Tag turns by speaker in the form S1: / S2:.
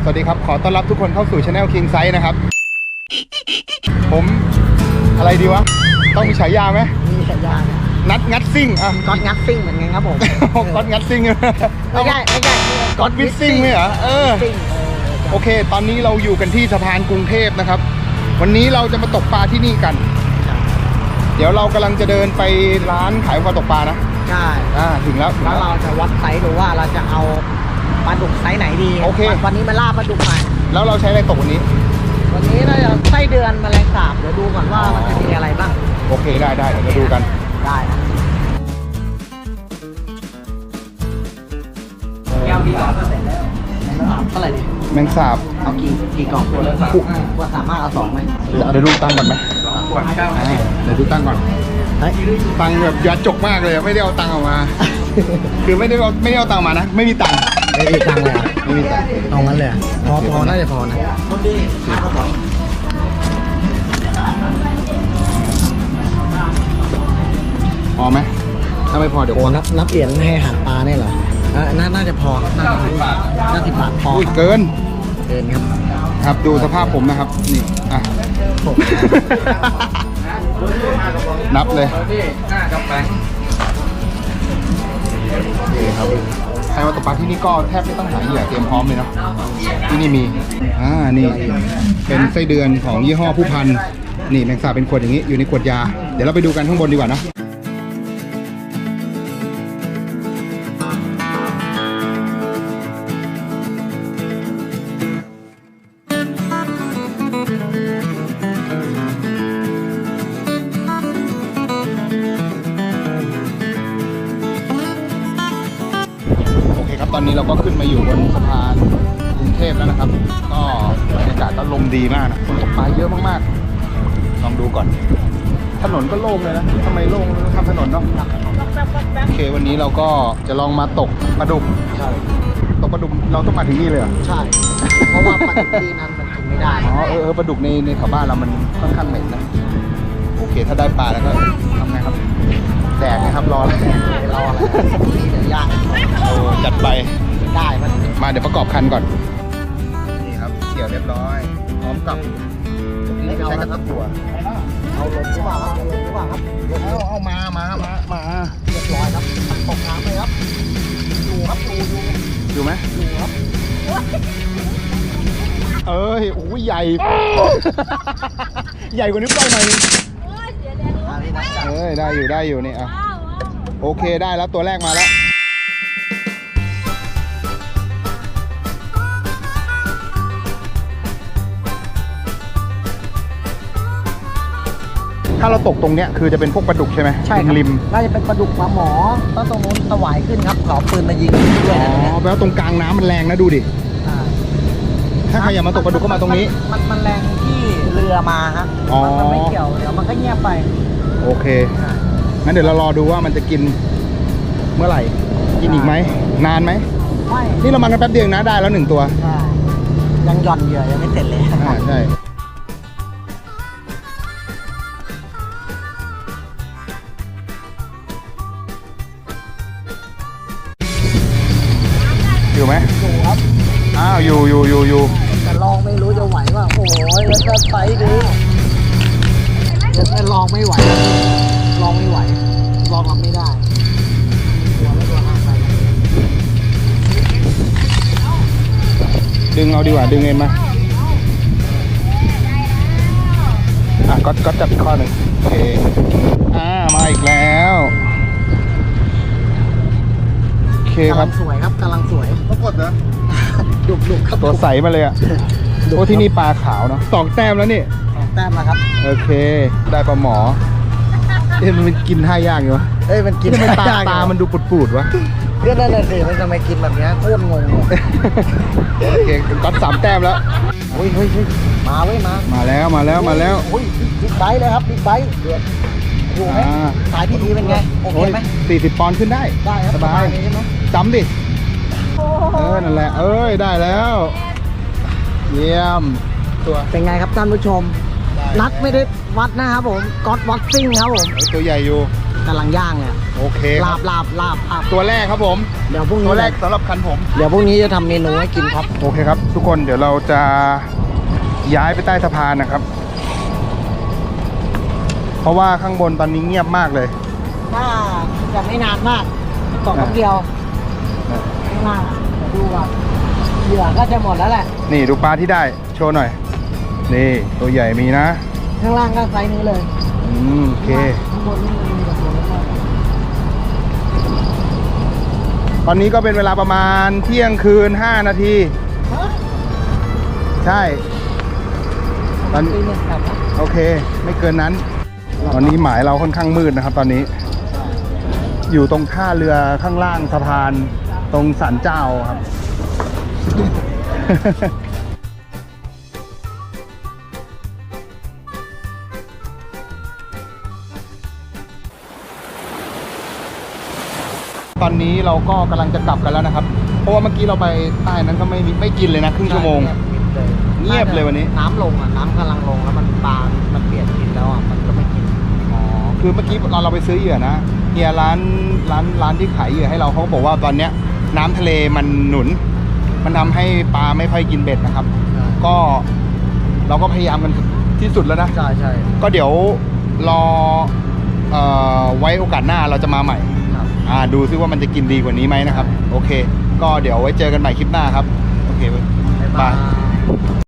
S1: สวัสดีครับขอต้อนรับทุกคนเข้าสู่ Channel King Size นะครับผมอะไรดีวะต้องมีฉายาไหม
S2: มีฉายา
S1: นัดงัดซิ่งอ่ะ
S2: ก๊อตงัดซิ่งเหมือนกันครับผม
S1: ก๊อตงัดซิ่ง
S2: ไม่ใช่
S1: ก๊อตวิดซิ่งไหมเหรอโอเคตอนนี้เราอยู่กันที่สะพานกรุงเทพนะครับวันนี้เราจะมาตกปลาที่นี่กันเดี๋ยวเรากำลังจะเดินไปร้านขายปลาตกปลานะ
S2: ใช่
S1: ถึงแล้ว
S2: เราจะวัดไซส์ดูว่าเราจะเอาปลาดุกไซส์ไหนดี
S1: โอเค
S2: วันนี้มาล่าปลาดุกใหม่
S1: แล้วเราใช้อะไรตกวันนี้
S2: เราจะไส้เดือนแมลงสาบเดี๋ยวดูก่อนว่ามันจะมีอะไรบ้าง
S1: โอเคได้เดี๋ยวมาดูกัน
S2: ได้แก้วพี่กล่องก็เสร็จแล้วเท่าไหร่ดิ
S1: แมงสาบ
S2: เอากี่กล่องว่าสามารถเอา2ไหม
S1: เดี๋ยวดูตั้งก่อนไหมเดี๋ยวดูตั้งก่อนตังแบบยัดจกมากเลยไม่ได้เอาตังออกมาคือไม่ได้เอาตังมานะไม่มีตัง
S2: ไม่มีตังเลย
S1: ไม่มีตัง
S2: เอางั้นเลยพอน่าจะพอนะ
S1: พอไหมถ้าไม่พอเดี๋ยว
S2: นับเหรียญให้หาปลาเนี่ยเหรอน่าจะพอน่า10 บาทพอ
S1: เกิน
S2: ครับ
S1: ดูสภาพผมนะครับนี่นับเลยนี่ครับใครมาตกปลาที่นี่ก็แทบไม่ต้องหาเหยื่อเตรียมพร้อมเลยเนาะที่นี่มีนี่เป็นไส้เดือนของยี่ห้อผู้พันนี่แมงสาบเป็นขวดอย่างนี้อยู่ในขวดยาเดี๋ยวเราไปดูกันข้างบนดีกว่านะตอนนี้เราก็ขึ้นมาอยู่บนสะพานกรุงเทพแล้วนะครับก็บรรยากาศก็ลมดีมากนะคนตกปลาเยอะมากๆลองดูก่อนถนนก็โล่งเลยนะทำไมโล่งทำถนนเนาะโอเควันนี้เราก็จะลองมาตกปลาดุกตกปลาดุกเราต้องมาถึงนี่เลยเหรอ
S2: ใช่เพราะว่าปลาดุกที่นั้นมันกินไม่ได้
S1: ปลาดุกในแถวบ้านเรามันค่อนข้างเหม็นนะโอเคถ้าได้ปลาแล้วก็ทำไงครับแดกนะครับรออะไร
S2: ย่าง
S1: จัดไป
S2: ได้
S1: มาเดี๋ยวประกอบคันก่อนนี่ครับเกี่ยวเรียบร้อยพร้อมกับใช้กระตับตัว
S2: เอาลงหรือเปล่าครับ
S1: เอามา
S2: เรียบร้อยครับตกน้ำเลยครับ
S1: อยู่ไหม
S2: อยู่ครับ
S1: โอ้ยใหญ่ใหญ่กว่านิ้วก้อยหน่อยได้อยู่นี่โอเคได้แล้วตัวแรกมาแล้วถ้าเราตกตรงเนี้ยคือจะเป็นพวกปลาดุกใช่ไหม
S2: ใช่ครับ
S1: ริม
S2: น่าจะเป็นปลาดุกปลาหมอตรงนู้นสวายขึ้นครับขอปืนมายิงด้วย
S1: แปลว่าตรงกลางน้ำมันแรงนะดูดิถ้าใครอยากมาตกปลาดุกก็มาตรงนี้
S2: มันแรงที่เรือมาฮะมันไม่เกี่ยวเดี๋ยวมันก็เงียบไป
S1: โอเคงั้นเดี๋ยวเรารอดูว่ามันจะกินเมื่อไหร่กินอีกไหมนานไหม
S2: ไม่
S1: นี่เรามากันแป๊บเดียวนะได้แล้ว1 ตัว
S2: ยังหย่อนเหยื่อยังไม่เสร็จเลย
S1: ใช่อยู่ไหม
S2: อยู่ครับ
S1: อยู่
S2: แต่ลองไม่รู้จะไหวว่าโอ้ยแล้วก็ไซส์ดีแต่ลองไม่ไหวลองรับไม่ได้ตัวห่างไป
S1: ดึงเอาดีกว่าดึงเองมาก็จับอีกข้อหนึ่งโอเคมาอีกแล้วโอเคครับ
S2: สวยครับกำลังสวย
S1: ปรากฏนะ
S2: ดุครับ
S1: ตัวใสมาเลยโอ้ที่นี่ปลาขาวเนาะ2 แต้มแล้วนี่
S2: 2 แต้มแล้วครับ
S1: โอเคได้ปลาหมอมันกินท่ายากอยู่วะ
S2: มันกิน
S1: ไม่ตามันดูปูดวะ
S2: ก็นั่นแหละสิมันจะไม่กินแบบนี้โคตรงง
S1: โอเคก็3 แต้มแล้ว
S2: เฮ้ย
S1: มาแล้ว
S2: โอ้ยบิ๊กไบค์เลยครับบิ๊กไบค์อยู่ไหมสายที่ดีเป็นไงโอเคไหม
S1: 40 ปอนด์ขึ้นได้
S2: ครับ
S1: สบายจำดินั่นแหละได้แล้วเยี่ยมตัว
S2: เป็นไงครับท่านผู้ชมนัดไม่ได้วัดนะครับผมก๊อตวัดซิ่งครับผม
S1: ตัวใหญ่อยู่
S2: กำลังย่างเนี่ย
S1: โอเคค
S2: ลา
S1: รับบ
S2: ลาบครับ
S1: ตัวแรกครับผม
S2: เดี๋ยวพรุ่งนี้
S1: ตัวแรกสำหรับคันผม
S2: เดี๋ยวพรุ่งนี้จะทำเมนูให้กินครับ
S1: โอเคครับ ทุกคนเดี๋ยวเราจะย้ายไปใต้สะพานนะครับ เพราะว่าข้างบนตอนนี้เงียบมากเลย
S2: ถ้าจะไม่นานมากตกแป๊บเดียวข้างล่างเดี๋ยวดูก่อนเหยื่อก็จะหมดแล้วแหละ
S1: นี่ดูปลาที่ได้โชว์หน่อย นี่ตัวใหญ่มีนะ
S2: ข้างล่างก็ไซส์นี้เลย
S1: โอเค
S2: ข้างบนนี่มีแบบนี้เลย
S1: ตอนนี้ก็เป็นเวลาประมาณเที่ยงคืน5 นาที
S2: ฮะ
S1: ใช่ตอน
S2: ปีเนี่ยครับ
S1: โอเค ไม่เกินนั้น ตอนนี้หมายเราค่อนข้างมืดนะครับ ตอนนี้ อยู่ตรงท่าเรือข้างล่างสะพานตรงศาลเจ้าครับ ตอนนี้เราก็กำลังจะกลับกันแล้วนะครับ เพราะว่าเมื่อกี้เราไปใต้นั้นก็ไม่กินเลยนะครึ่งชั่วโมง เงียบเลยวันนี้
S2: น้ำลงอ่ะน้ำกำลังลงแล้วมันปลา มันเปลี่ยนกินแล้วอ่ะมันก็ไม่กิน
S1: อ๋อ คือเมื่อกี้ตอนเราไปซื้อเหยื่อนะเฮียร้านที่ขายเหยื่อให้เราเขาก็บอกว่าตอนเนี้ยน้ำทะเลมันหนุน มันทำให้ปลาไม่ค่อยกินเบ็ดนะครับ ก็เราก็พยายามกันที่สุดแล้วนะ
S2: ใช่ใช่
S1: ก็เดี๋ยวรอไว้โอกาสหน้าเราจะมาใหม่
S2: ครับ
S1: ดูซิว่ามันจะกินดีกว่านี้ไหมนะครับ โอเค ก็เดี๋ยวไว้เจอกันใหม่คลิปหน้าครับ โอเค
S2: บ๊ายบาย